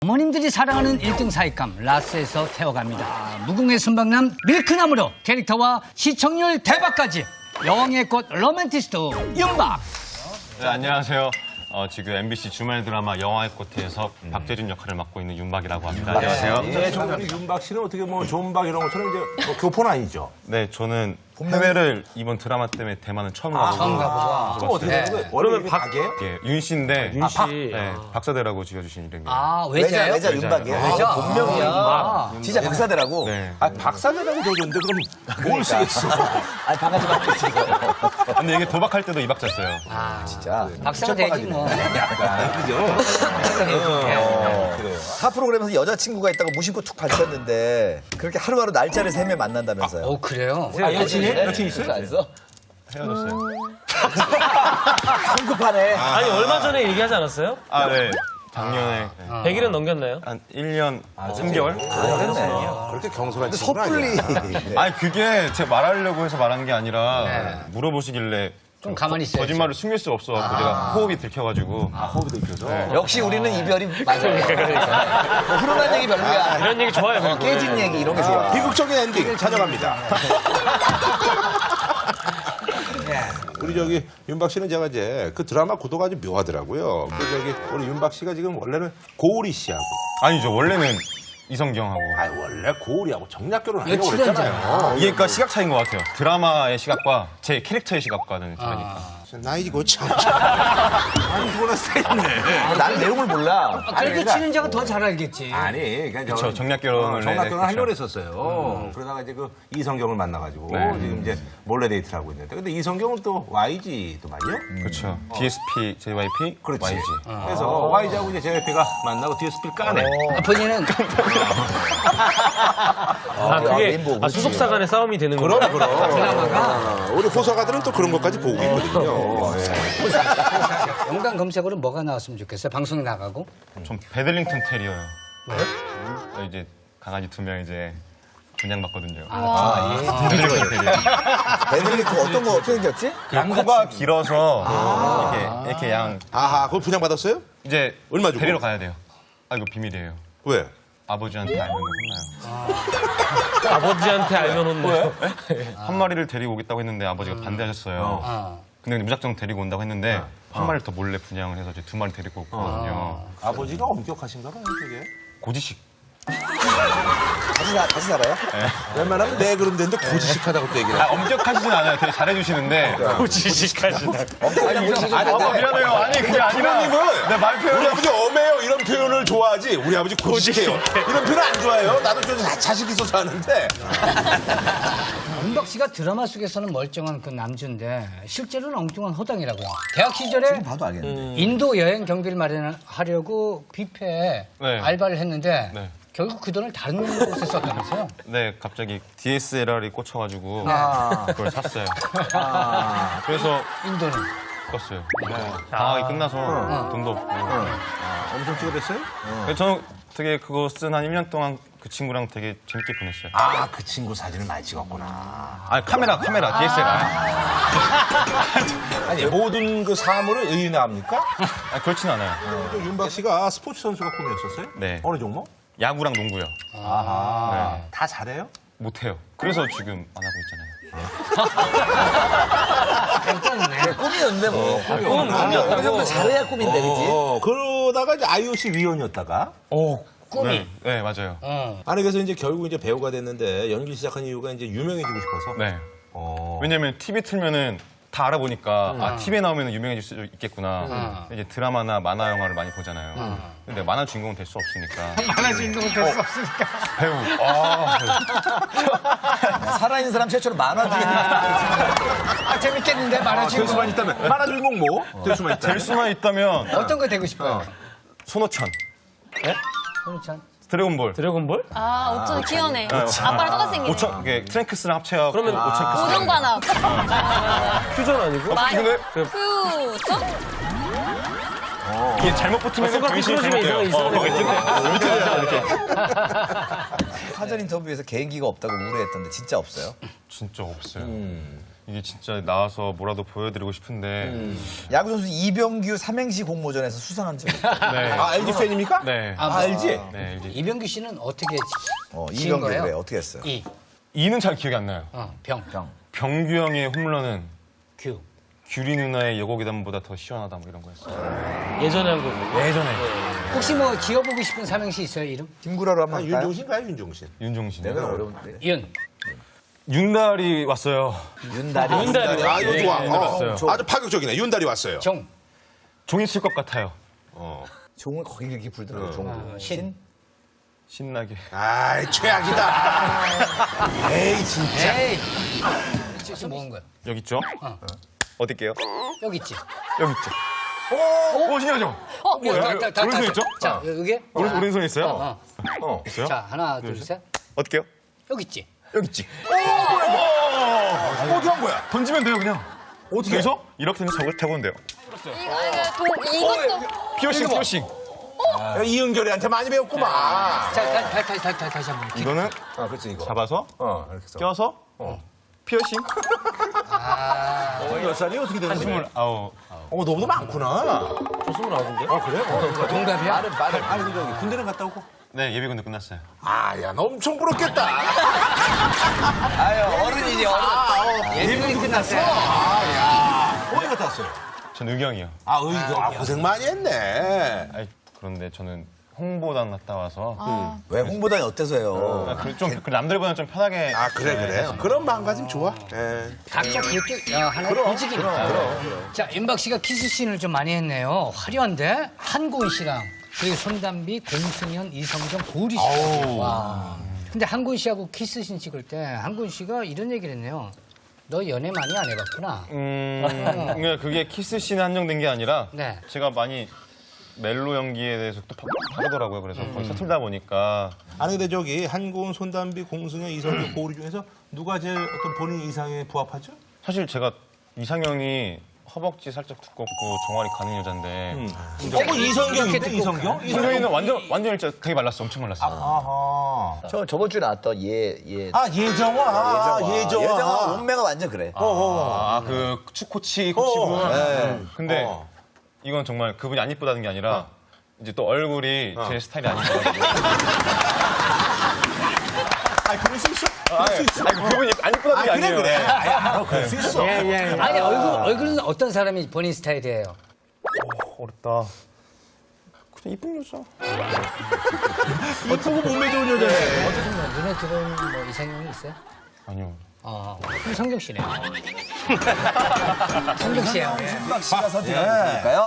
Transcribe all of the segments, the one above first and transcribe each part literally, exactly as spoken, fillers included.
어머님들이 사랑하는 일 등 사익감 라스에서 태워갑니다. 무궁의 순박남 밀크나무로 캐릭터와 시청률 대박까지 여왕의 꽃 로맨티스트 윤박. 네, 안녕하세요. 어, 지금 엠비씨 주말 드라마 여왕의 꽃에서 음. 박재준 역할을 맡고 있는 윤박이라고 합니다. 안녕하세요. 예, 저는 윤박 씨는 어떻게 뭐 존박 이런 것처럼 이제 뭐 교포는 아니죠? 네, 저는 해외를 이번 드라마 때문에 대만은 처음 가보고. 처음 가보고. 또 어떻게 되는 거예요? 원래 박이에요? 예, 윤 씨인데. 윤 씨. 박, 네, 박사대라고 지어주신 이름이에요. 아, 외자요? 외자, 외자 윤박이에요. 외자. 본명이야. 아, 진짜 박사대라고. 네. 아, 박사대라고 되어줬는데 그럼 뭘 쓰겠어? 아니, 바가지 박사 있어. 근데 이게 도박할 때도 이 박자 써요. 아, 진짜. 박사가 되지 뭐. 약간, 그죠? 어, 그래요. 타 프로그램에서 여자친구가 있다고 무심코 툭 밝혔는데 그렇게 하루하루 날짜를 세며 만난다면서요. 오, 그래요? 아, 여친이? 여친 있어요? 안 써? 헤어졌어요. 성급하네. 아니 얼마 전에 얘기하지 않았어요? 아, 네. 작년에 네. 백 일은 넘겼나요? 한 일 년 삼 개월? 그랬네. 그렇게 경솔한 친구는 섣불리. 아니야. 아니, 그게 제가 말하려고 해서 말한 게 아니라 물어보시길래 좀 가만히 있어요. 거짓말을 숨길 수가 없어가지고 제가 호흡이 들켜가지고. 아, 호흡이 들켜서. 역시 우리는 이별이 맞아요. 뭐 훈훈한 얘기 별로야. 이런 얘기 좋아요. 어, 깨진 얘기 이런 게 좋아. 비극적인 엔딩 찾아갑니다. 우리 저기 윤박 씨는 제가 이제 그 드라마 구도가 아주 묘하더라고요. 그 저기 우리 윤박 씨가 지금 원래는 고우리 씨하고 아니죠, 원래는 이성경하고. 아 원래 고우리하고 정략 결혼하려고 며칠 그랬잖아요. 이게 그러니까 시각 차이인 것 같아요. 드라마의 시각과 제 캐릭터의 시각과는 다르니까. 나이고 참. 아니 그거나 세네. 나는 내용을 몰라. 그래도 친인자가 더 잘 알겠지. 아니, 그러니까 그쵸, 정략 결혼을 정략 네, 결혼 하려고 그쵸. 했었어요. 그러다가 이제 그 이성경을 만나가지고 네. 지금 이제 몰래 데이트를 하고 있는데, 근데 이성경은 또 와이지도 말이요. 그렇죠. 디에스피, 제이와이피, 그렇지. 와이지. 그래서 와이지하고 이제 제이와이피가 만나고 디에스피를 까내. 아, 본인은 아 그게 레인보우, 아, 그렇지. 수속사 간의 싸움이 되는 그럼 거예요? 그럼. 아, 우리 호서가들은 또 그런 것까지 보고 있거든요. 예. 연관 검색어로 뭐가 나왔으면 좋겠어요? 방송에 나가고. 전 베들링턴 테리어요. 왜? 이제 강아지 두 명 이제 분양받거든요. 베들링턴 테리어. 베들리크 어떤 거 어떻게 생겼지? 코가 길어서 이렇게 이렇게 양 아하, 그걸 분양받았어요? 이제 얼마 주고? 데리러 가야 돼요. 아 이거 비밀이에요. 왜? 아버지한테 알면 혼나요. 아버지한테 알면 혼나요? 한 마리를 데리고 오겠다고 했는데 아버지가 반대하셨어요. 아. 근데 무작정 데리고 온다고 했는데 한 마리를 더 몰래 분양을 해서 이제 두 마리 데리고 왔거든요. 아버지가 엄격하신가 봐요, 되게. 고지식. 다시, 사, 다시 살아요? 웬만하면 네 그런 데인데 고지식하다고 또 얘기를 아, 해. 엄격하시진 않아요. 되게 잘해주시는데. 고지식하시다. 아니, 고지식 아, 미안해요. 아니, 그게 아니라. 부모님은 내 말 우리 표현이. 아버지 엄해요 이런 표현을 좋아하지 우리 아버지 고지식해요 이런 표현 안 좋아해요. 나도 좀 자식 있어서 하는데. 윤박 씨가 드라마 속에서는 멀쩡한 그 남주인데 실제로는 엉뚱한 호당이라고요. 대학 시절에 봐도 알겠는데. 인도 여행 경비를 마련하려고 뷔페에 네. 알바를 했는데 네. 결국 그 돈을 다른 곳에 썼다면서요? 네, 갑자기 디에스엘알이 꽂혀가지고. 아. 그걸 샀어요. 그래서 인도는. 껐어요. 방학이 끝나서 돈도 없고. 엄청 찍어댔어요? 그래서 저는 되게 그거 쓴 한 일 년 동안 그 친구랑 되게 재밌게 보냈어요. 아, 그 친구 사진을 많이 찍었구나. 아, 카메라, 카메라, 디에스엘알. 아니, 모든 그 사물을 의인화합니까? 아, 그렇진 않아요. 윤박 씨가 스포츠 선수가 꿈이었었어요? 네. 어느 종목? 야구랑 농구요. 아하. 네. 다 잘해요? 못해요. 그래서 지금 안 하고 있잖아요. 괜찮네. 꿈이었는데 뭐. 꿈이 꿈은 꿈이었다고. 그 정도 잘해야 꿈인데, 그지? 어, 그러다가 이제 아이오씨 위원이었다가. 꿈이. 네, 네, 맞아요. 어. 아니, 그래서 이제 결국 이제 배우가 됐는데 연기 시작한 이유가 이제 유명해지고 싶어서. 네. 어. 왜냐면 티비 틀면은 다 알아보니까 아 티비에 나오면 유명해질 수 있겠구나. 이제 드라마나 만화 영화를 많이 보잖아요. 근데 만화 주인공은 될 수 없으니까. 만화 주인공은 될 수 없으니까. 배우. 아, 살아있는 사람 최초로 만화 중에. 아, 재밌겠는데 만화 될 주인공. 수만 있다면. 만화 주인공 뭐? 될 수만 있다면. 될 수만 있다면 어떤 거 되고 싶어요? 손오천. 손우찬. 드래곤볼. 드래곤볼? 아, 오천 귀여네. 아빠랑 똑같이 생기네. 오천, 이게 트랭크스랑 합쳐야 그러면 오천. 오정관합. 퓨전 아니고? 마이 근데 퓨전? 이게 잘못 붙으면 손가락이 변신이 쓰러지면 잘못돼요. 이상해, 이상해. 사전 인터뷰에서 개인기가 없다고 우려했던데 진짜 없어요? 진짜 없어요. 음. 이게 진짜 나와서 뭐라도 보여드리고 싶은데 야구 선수 이병규 삼행시 공모전에서 수상한 적 있어요. 네. 아, 엘지 팬입니까? 네. 아, 알지? 네, 이제 이병규 씨는 어떻게 어, 지은 이병규 거예요? 그래 어떻게 했어요? 이, 이는 잘 기억이 안 나요. 어, 병, 병. 병규 형의 홈런은 규. 규리 누나의 여고괴담보다 더 시원하다 뭐 이런 거였어요. 예전에 한 거고. 예전에 혹시 뭐 지어보고 싶은 삼행시 있어요, 이름? 김구라로 한번 아, 할까요? 윤종신가요, 윤종신? 윤종신. 내가 어려운데. 윤. 윤달이 왔어요. 윤다리. 윤다리. 아, 이거 좋아. 예, 어, 알았어요. 아주 파격적이네. 윤달이 왔어요. 종. 종이 칠 것 같아요. 어. 종을 거기 그렇게 불더라고. 종. 어, 신. 신나게. 아이, 최악이다. 에이, 진짜. 에이. 지금 뭐 한 거야? 여기 있죠? 어. 어딜게요? 여기 있지. 여기 있죠. 오, 오 신기하죠? 어, 뭐야? 다- 다- 다- 오른손 있죠? 자, 여기. 오른, 오른손에 있어요? 어, 어. 어, 있어요? 자, 하나, 둘, 셋. 어떻게요? 여기 있지. 여기 있지. 어디 한 거야? 던지면 돼요, 그냥. 어떻게 해서? 이렇게 되면 저걸 타보면 돼요. 이거, 아니, 그 동, 이것도. 피어싱, 피어싱. 야, 이은결이한테 많이 배웠구만. 자, 다, 다, 다시, 다시, 다시, 다시 한 번. 이거는 아, 그렇지, 이거. 잡아서, 어, 이렇게 써. 껴서, 피어싱. 어, 몇 살이 어떻게 되는 거야? 스물아홉. 어, 너보다 많구나. 저 스물아홉인데? 어, 그래? 어, 동갑이야? 빠른, 빠른. 아니, 근데 저기 군대는 갔다 오고. 네, 예비군도 끝났어요. 아, 야, 너 엄청 부럽겠다. 아유 어른이지 어른. 예능이 끝났어요. 어디 갔다 왔어요? 전 의경이요. 아, 의거. 아, 고생 많이 했네. 아이, 그런데 저는 홍보단 갔다 와서 왜 홍보단이 어때서요? 아, 그, 좀 그 남들보다는 좀 편하게. 아, 그래, 그래. 그런 마음가짐 좋아. 예. 각자 그것도 어, 하나의 보직이니까. 자, 윤박 씨가 키스씬을 좀 많이 했네요. 화려한데 한고은 씨랑 그리고 손담비, 공승현, 이성정, 고리 씨. 와. 근데 한고은 씨하고 키스씬 찍을 때 한고은 씨가 이런 얘기를 했네요. 너 연애 많이 안 해봤구나. 음, 그러니까 그게 키스씬에 한정된 게 아니라 네. 제가 많이 멜로 연기에 대해서 또 바- 다르더라고요. 그래서 거의 서툴다 보니까 아니, 근데 저기 한고은, 손담비, 공승현, 이성규, 고우리 중에서 누가 제일 어떤 본인 이상에 부합하죠? 사실 제가 이상형이 허벅지 살짝 두껍고 종아리 가는 여잔데 어, 그 이성경인데, 이성경? 이상형이는 완전 완전 일자 되게 말랐어, 엄청 말랐어. 아하. 저 저번 주에 나왔던 예예. 아, 예정화. 아, 예정화. 예정아 몸매가 완전 그래. 아, 그 축코치 코치분. 어, 네. 근데 어. 이건 정말 그분이 안 이쁘다는 게 아니라 이제 또 얼굴이 제 스타일이 아니거든요. 아, 그럴 수 있어. 그럴 수 있어. 아니, 그분이 안 이쁘다는 아, 게 그래, 아니에요. 그래. 아, 그럴 수 있어. 아니, 얼굴, 얼굴은 어떤 사람이 본인 스타일이에요? 어렵다. 그냥 이쁜 여자. 이쁘고 몸매 좋은 여자네. 어떻게 뭐 눈에 들어오는 뭐 이상형이 있어요? 아니요. 어, 그럼 성경 씨네요. 성경 씨예요. 예. 윤박 씨가 선택한 분일까요?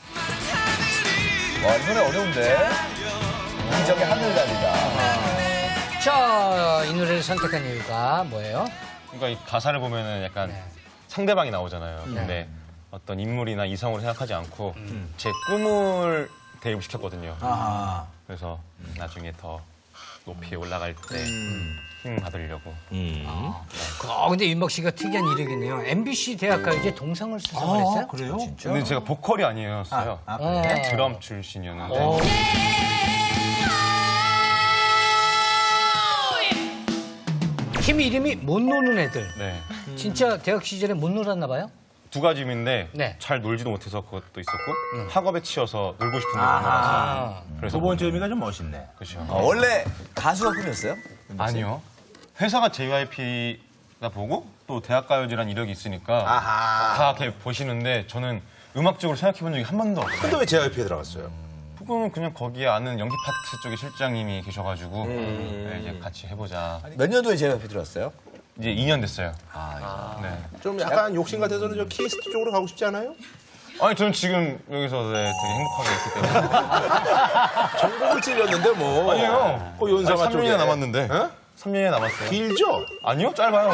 와 이번에 어려운데. 이적의 하늘다리다. 자, 이 노래를 선택한 이유가 뭐예요? 그러니까 이 가사를 보면은 약간 네. 상대방이 나오잖아요. 근데 어떤 인물이나 이성으로 생각하지 않고 제 꿈을 대입시켰거든요. 그래서 나중에 더 높이 올라갈 때 힘 받으려고. 아, 근데 윤박 씨가 특이한 이력이네요. 엠비씨 대학가요제 동상을 수상을 했어요? 그래요? 근데 제가 보컬이 아니었어요. 어. 드럼 출신이었는데. 어. 팀 이름이 못 노는 애들. 네. 진짜 대학 시절에 못 놀았나 봐요? 두 가지 의미인데 네. 잘 놀지도 못해서 그것도 있었고 학업에 치여서 놀고 싶은 게 많아서 그래서 두 번째 의미가 좀 멋있네. 그렇죠. 어, 원래 가수가 꿈이었어요? 아니요. 회사가 제이와이피다 보고 또 대학가요제라는 이력이 있으니까 아하. 다 이렇게 보시는데 저는 음악적으로 생각해 본 적이 한 번도 없어요. 근데 왜 제이와이피에 들어갔어요? 그거는 그냥 거기에 아는 연기 파트 쪽에 실장님이 계셔가지고 네, 이제 같이 해보자. 몇 년도에 제이와이피 들어왔어요? 이제 이 년 됐어요. 네. 좀 약간 욕심 같아서는 저 키스트 쪽으로 가고 싶지 않아요? 아니 저는 지금 여기서 네, 되게 행복하게 있기 때문에. 전곡을 찔렸는데 뭐. 아니에요. 그 연상아 삼 쪽에. 년이나 남았는데. 어? 삼 년이 남았어요. 길죠? 아니요, 짧아요.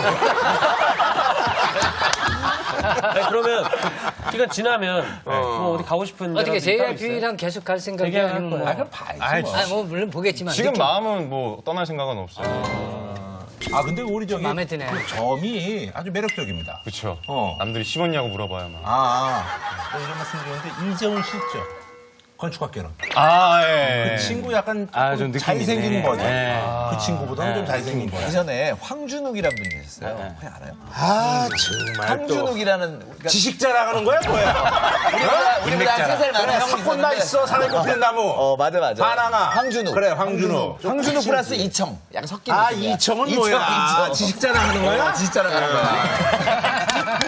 아니, 그러면 기간 지나면 뭐 어디 가고 싶은 어떻게 데가 따로 있어요? 제이와이피랑 계속 갈 생각이 얘기할 아니면 뭐. 거예요. 아, 그럼 봐야지. 아이, 뭐. 아, 뭐 물론 보겠지만 지금 느낌- 마음은 뭐 떠날 생각은 없어요. 아, 근데 우리 저기. 마음에 드네. 그 점이 아주 매력적입니다. 그렇죠. 어. 남들이 씹었냐고 물어봐요. 막. 아, 아. 뭐 이런 말씀 드렸는데, 이정훈 씨 있죠? 건축학개론. 아, 예. 그 친구 약간 아, 좀 좀 느낌이 잘생긴 있네. 버전. 네. 그 친구보다는 좀 잘생긴 버전. 예전에 황준욱이라는 분이 계셨어요. 혹시 알아요? 아 정말 또 황준욱이라는 그러니까 지식 자랑하는 거야 뭐야? 우리보다 우리보다 세살 많은 형이 사건 나 있었는데 있어 사람이 꼽히는 나무. 어 맞아 맞아. 반항아. 황준욱. 그래 황준욱. 황준욱 플러스 이청. 약간 섞인 아 느낌이야. 이청은 이청, 뭐야? 아, 이청. 지식 자랑하는 거야? 어, 지식 자랑하는 거야.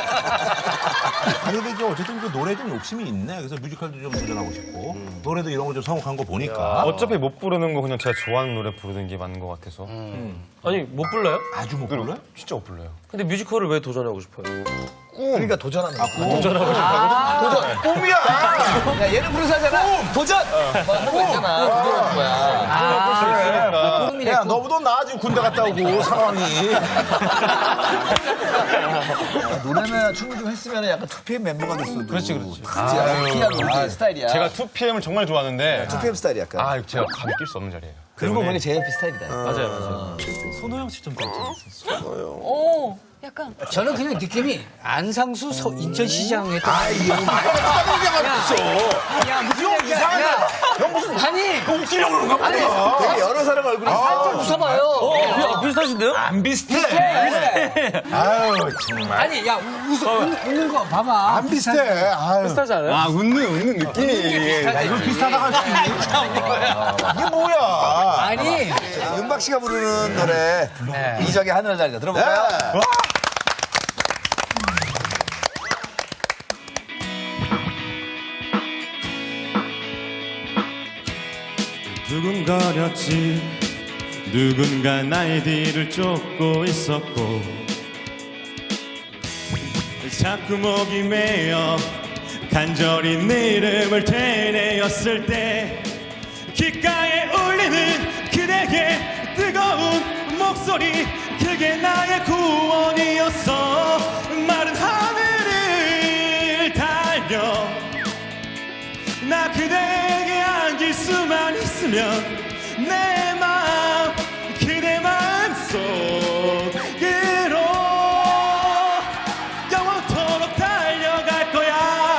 아니 근데 이제 어쨌든 그 노래 좀 욕심이 있네. 그래서 뮤지컬도 좀 도전하고 싶고 노래도 이런 거 좀 성공한 거 보니까 어차피 못 부르는 거 그냥 제가 좋아하는 노래 부르는 게 맞는 것 같아서. 아니 못 불러요? 아주 못 불러. 진짜 못 불러요. 근데 뮤지컬을 왜 도전하고 싶어요? 그러니까 도전하는 거야. 도전하고 싶어요. 도전. 꿈이야. 야 얘는 부르사잖아. 도전. 뭐 하는 거 있잖아. 부르는 거야. 아, 꿈이네. 야 너보다 나 지금 군대 갔다 오고 상황이. 노래나 춤을 좀 했으면 약간 투피엠 멤버가 됐어도. 그렇지, 그렇지. 피아노 스타일이야. 제가 투피엠을 정말 좋아하는데 투피엠 스타일이 약간. 아 제가 감이 낄 수 없는 자리예요. 그리고 보니까 제이엘피 스타일이다. 맞아요, 맞아요. 손호영 씨 좀 닮았어. 오, 약간. 저는 그냥 느낌이 안상수 서- 인천시장에 또. 아이 형 말없어. 야, 무슨 얘기야. 이상하네. 야, 형 무슨 아니, 웃기려고 그러는 거 아니, 아니야? 되게 여러 사람 얼굴이 살짝 웃어봐요. 야, 비슷하신데요? 안 비슷해. 아유 정말. 아니, 야, 웃어, 웃는, 웃는 거 봐봐. 안 비슷해. 아유. 비슷하지 않아요? 아 웃는 웃는 느낌이. 야, 이걸 비슷하다고 할 수 있니? 이게 뭐야? 아니, 윤박 씨가 부르는 노래 네. 이적의 하늘을 달리다 들어볼까요? 네. 두근거렸지 누군가 나의 뒤를 쫓고 있었고 자꾸 목이 메어 간절히 내 이름을 되뇌었을 때 귓가에 울리는 그대의 뜨거운 목소리 그게 나의 구원이었어 마른 하늘을 달려 나 그대에게 안길 수만 있으면 내 마음 그대 마음 속으로 영원토록 달려갈 거야.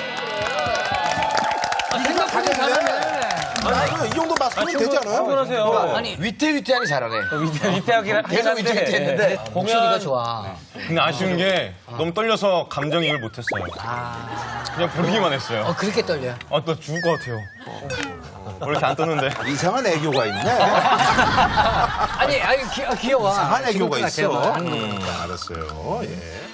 생각하기 잘하네. 아, 이 정도 맞으면 되지 않아요? 충분하세요. 아니, 위태위태하게 잘하네. 위태, 위태하긴 계속 위태위태했는데 목소리가 좋아. 근데 아쉬운 게 너무 떨려서 감정이입을 못했어요. 그냥 부르기만 했어요. 어, 그렇게 떨려. 아, 나 죽을 것 같아요. 왜 이렇게 안 떴는데? 이상한 애교가 있네. 아니, 아니, 귀, 아, 귀여워. 이상한 애교가 죽을 것 같아요. 있어. 하는 거. 음, 알았어요. 예.